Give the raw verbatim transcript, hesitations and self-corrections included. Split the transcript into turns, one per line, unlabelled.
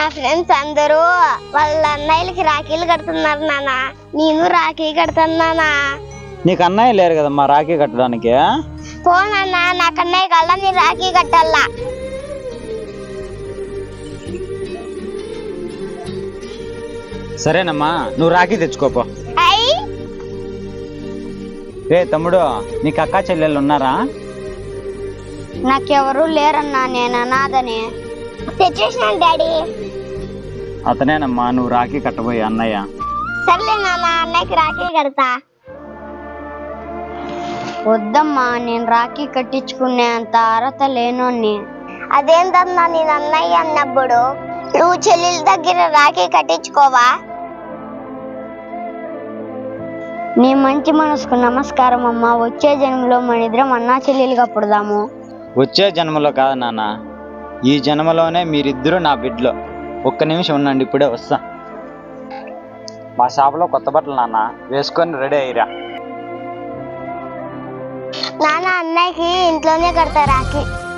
నా ఫ్రెండ్స్ అందరూ వాళ్ళ అన్నయ్యలకి రాఖీలు కడుతున్నారు నాన్న. నేను రాఖీ కడతాను నాన్న.
నీకు అన్నయ్య లేరు కదమ్మా రాఖీ కట్టడానికి.
పో నాన్న, నాకు అన్నయ్య కల్లా నేను రాఖీ కట్టాలా.
సరేనమ్మా, నువ్వు రాఖీ తెచ్చుకోపో.
అయ్యి
రే తమ్ముడు, నీకు అక్కా చెల్లెళ్ళు ఉన్నారా?
నాకెవరు లేరన్నా, నేను అనాథని. తెచ్చేసినాను డాడీ.
అతనేనమ్మా నువ్వు రాఖీ కట్టబోయే అన్నయ్య.
సర్లే నాన్న, అన్నయ్యకి రాఖీ కడతా.
వద్దమ్మా, నేను రాఖీ కట్టించుకునే అంత అర్హత లేనోన్ని.
అదేంటన్నా, నేను అన్నయ్య అన్నప్పుడు నువ్వు చెల్లెల దగ్గర రాఖీ కట్టించుకోవా?
నీ మంచి మనసుకు నమస్కారం అమ్మా. వచ్చే జన్మలో మన ఇద్దరం అన్నా చెల్లెలుగా పుడదాము.
వచ్చే జన్మలో కాదు నాన్న, ఈ జన్మలోనే మీరిద్దరూ నా బిడ్డలో. ఒక్క నిమిషం ఉండండి, ఇప్పుడే వస్తా. మా షాపులో కొత్త బట్టలు నాన్న, వేసుకొని రెడీ అయ్యిరా.
నాన్న, అన్నయ్యకి ఇంట్లోనే కడతా రాఖీ.